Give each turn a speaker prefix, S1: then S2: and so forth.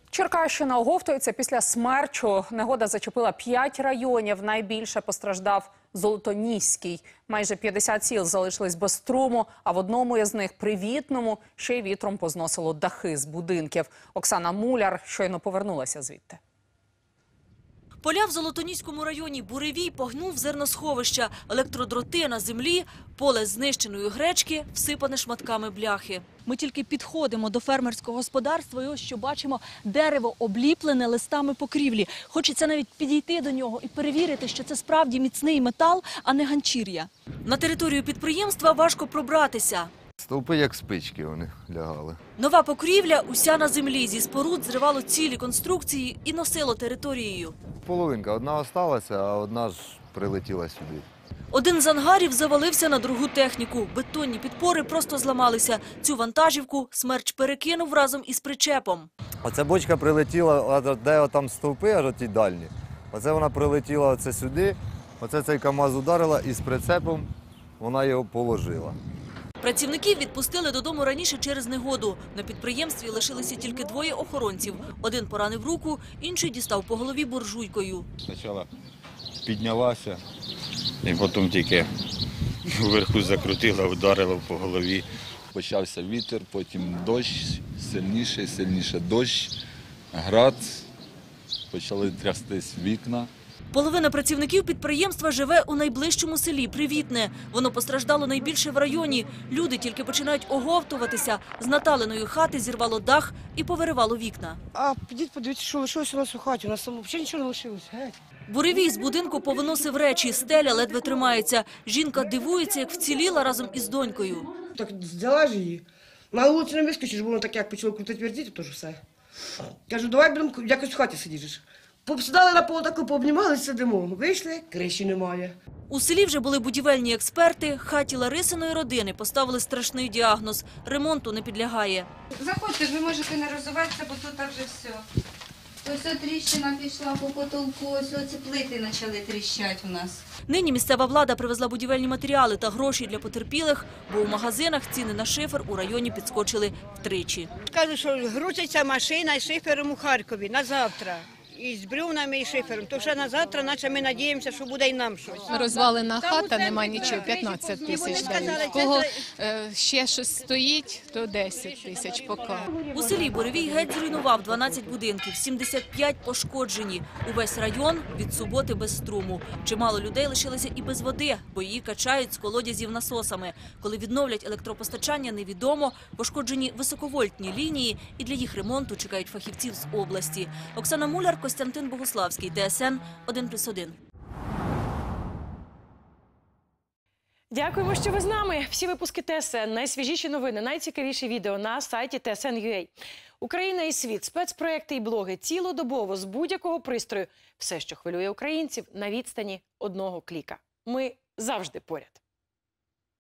S1: Черкащина оговтується після смерчу. Негода зачепила 5 районів. Найбільше постраждав Золотоніський. Майже 50 сіл залишились без струму, а в одному із них, Привітному, ще й вітром позносило дахи з будинків. Оксана Муляр щойно повернулася звідти.
S2: Поля в Золотоніському районі, буревій погнув зерносховища, електродроти на землі, поле знищеної гречки, всипане шматками бляхи. Ми тільки підходимо до фермерського господарства і ось що бачимо – дерево обліплене листами покрівлі. Хочеться навіть підійти до нього і перевірити, що це справді міцний метал, а не ганчір'я. На територію підприємства важко пробратися.
S3: Стовпи як спички вони лягали.
S2: Нова покрівля уся на землі. Зі споруд зривало цілі конструкції і носило територією.
S3: Половинка. Одна осталася, а одна ж прилетіла сюди.
S2: Один з ангарів завалився на другу техніку. Бетонні підпори просто зламалися. Цю вантажівку смерч перекинув разом із причепом.
S3: Оця бочка прилетіла, де там стовпи, аж оті дальні. Оце вона прилетіла оце сюди, оце цей КАМАЗ ударила і з прицепом вона його положила.
S2: Працівників відпустили додому раніше через негоду. На підприємстві лишилися тільки 2 охоронців. Один поранив руку, інший дістав по голові буржуйкою.
S4: Спочатку піднялася, і потім тільки вверху закрутила, вдарила по голові. Почався вітер, потім дощ, сильніше дощ, град, почали трястись вікна.
S2: Половина працівників підприємства живе у найближчому селі Привітне. Воно постраждало найбільше в районі. Люди тільки починають оговтуватися. З Наталиної хати зірвало дах і повиривало вікна.
S5: А підіть, подивіться, що лишилося у нас у хаті. У нас взагалі нічого не лишилося.
S2: Буревій з будинку повиносив речі, стеля ледве тримається. Жінка дивується, як вціліла разом із донькою.
S5: Так взяла ж її. На вулицю не вискочиш, бо воно так як почало крутити вертіти, то ж все. Кажу, давай будемо якось в хаті сидіти. Посідали на полу таку, пообнімалися, сидимо. Вийшли, криші немає.
S2: У селі вже були будівельні експерти. Хаті Ларисиної родини поставили страшний діагноз – ремонту не підлягає.
S6: Заходьте ж, ви можете не розвиватися, бо тут вже все. Ось тріщина пішла по потолку, ось оці плити почали тріщати у нас.
S2: Нині місцева влада привезла будівельні матеріали та гроші для потерпілих, бо у магазинах ціни на шифер у районі підскочили втричі.
S7: Кажуть, що грузиться машина з шифером у Харкові на завтра. І з бревнами, і шифером. То вже на завтра, наче ми надіємося, що буде і нам щось.
S8: Розвалена хата, нема нічого, 15 тисяч дають. Кого ще щось стоїть, то 10 тисяч поки.
S2: У селі Буревій геть зруйнував 12 будинків, 75 пошкоджені. Увесь район від суботи без струму. Чимало людей лишилися і без води, бо її качають з колодязів насосами. Коли відновлять електропостачання, невідомо. Пошкоджені високовольтні лінії і для їх ремонту чекають фахівців з області. Оксана Муляр, Костянтин Богуславський, ТСН 1+1.
S9: Дякуємо, що ви з нами. Всі випуски ТСН, найсвіжіші новини, найцікавіші відео на сайті TSN.ua. Україна і світ, спецпроекти і блоги цілодобово з будь-якого пристрою. Все, що хвилює українців, на відстані одного кліка. Ми завжди поряд.